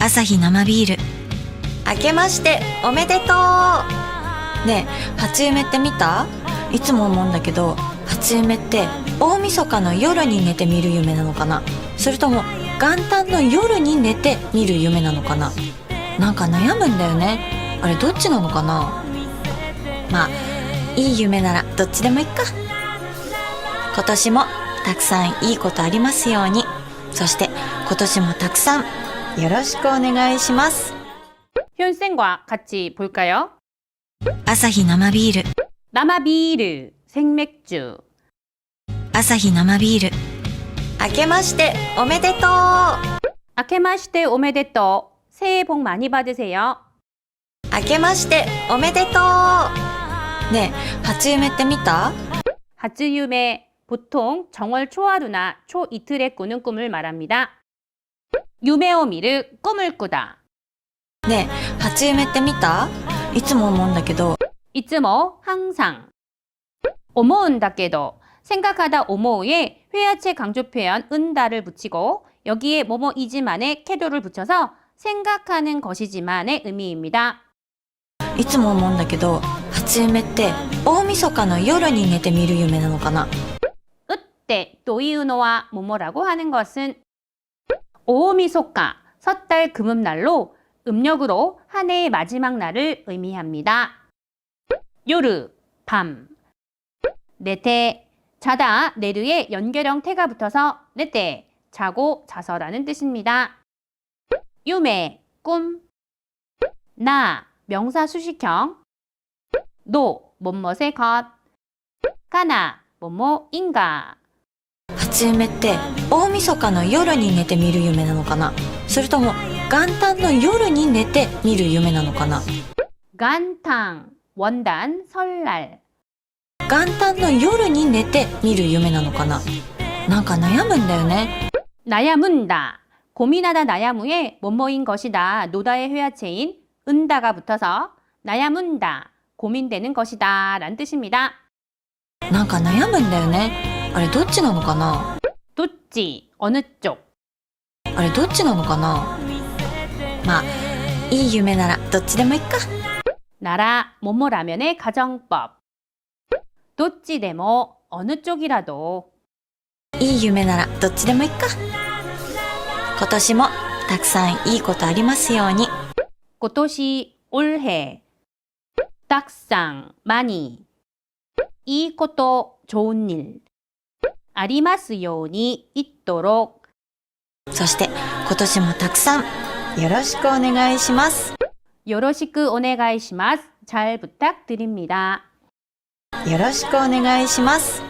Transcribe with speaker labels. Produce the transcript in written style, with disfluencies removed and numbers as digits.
Speaker 1: アサヒ生ビール。明けましておめでとう。ねえ、初夢って見た？いつも思うんだけど、初夢って大晦日の夜に寝て見る夢なのかな、それとも元旦の夜に寝て見る夢なのかな。なんか悩むんだよね。あれどっちなのかな。まあいい夢ならどっちでもいいか。今年もたくさんいいことありますように。そして今年もたくさんよろしくお願いします。
Speaker 2: 현쌤과 같이 볼까요?
Speaker 1: アサヒ生ビール。
Speaker 2: 남아비르 생맥주.
Speaker 1: アサヒ生ビール。明けましておめでとう。
Speaker 2: 아케마시테 오메데또. 새해 복 많이 받으세요.
Speaker 1: 明けましておめでとう。ねえ、初夢って見た？
Speaker 2: 하츠유메. 보통 정월 초하루나 초이틀에 꾸는 꿈을 말합니다. 유메오미르. 꿈을 꾸다.
Speaker 1: ねえ、初夢って見た？いつも思うんだけど、
Speaker 2: 이츠모. 항상. 오모은다께도. 생각하다 오모우에 회화체 강조 표현 은다를 붙이고 여기에 뭐뭐이지만의 캐도를 붙여서 생각하는 것이지만의 의미입니다.
Speaker 1: いつも思うんだけど、初夢って大晦日の夜に寝て見る夢なのかな。
Speaker 2: 으때 또이우노와 뭐뭐라고 하는 것은 오미소카 섣달 금음날로 음력으로 한 해의 마지막 날을 의미합니다. 요르 밤. 네테 자다 내르에 연결형 태가 붙어서 네테 자고 자서라는 뜻입니다. 유메 꿈. 나 명사 수식형. 노 뭐뭇의 것. 가나 뭐뭐인가.
Speaker 1: 初夢って大晦日の夜に寝て見る夢なのかな、それとも元旦の夜に寝て見る夢なのかな。
Speaker 2: 간탕 원단 설날.
Speaker 1: 元旦の夜に寝て見る夢なのかな。なんか悩むんだよね。
Speaker 2: 나야문다. 고민하다 나야무에 뭐뭐인 것이다. 노다의 회화체인 은다가 붙어서 나야문다. 고민되는 것이다. 라는 뜻입니다.
Speaker 1: なんか悩むんだよね。あれどっちなのかな。
Speaker 2: 도찌. 어느 쪽.
Speaker 1: あれどっちなのかな。まあいい夢ならどっちでもいいか。
Speaker 2: 나라 뭐뭐라면의 가정법. 도찌데모. 어느 쪽이라도.
Speaker 1: いい夢ならどっちでもいいか。今年もたくさんいいことありますように。
Speaker 2: 꽃도시 올해. 딱상 많이. 이 것도 좋은 일. 아리마스요니 있도록.
Speaker 1: そして今年もたくさんよろしくお願いします。
Speaker 2: 요로시크 오네가이시마스. 잘 부탁드립니다.
Speaker 1: よろしくお願いします。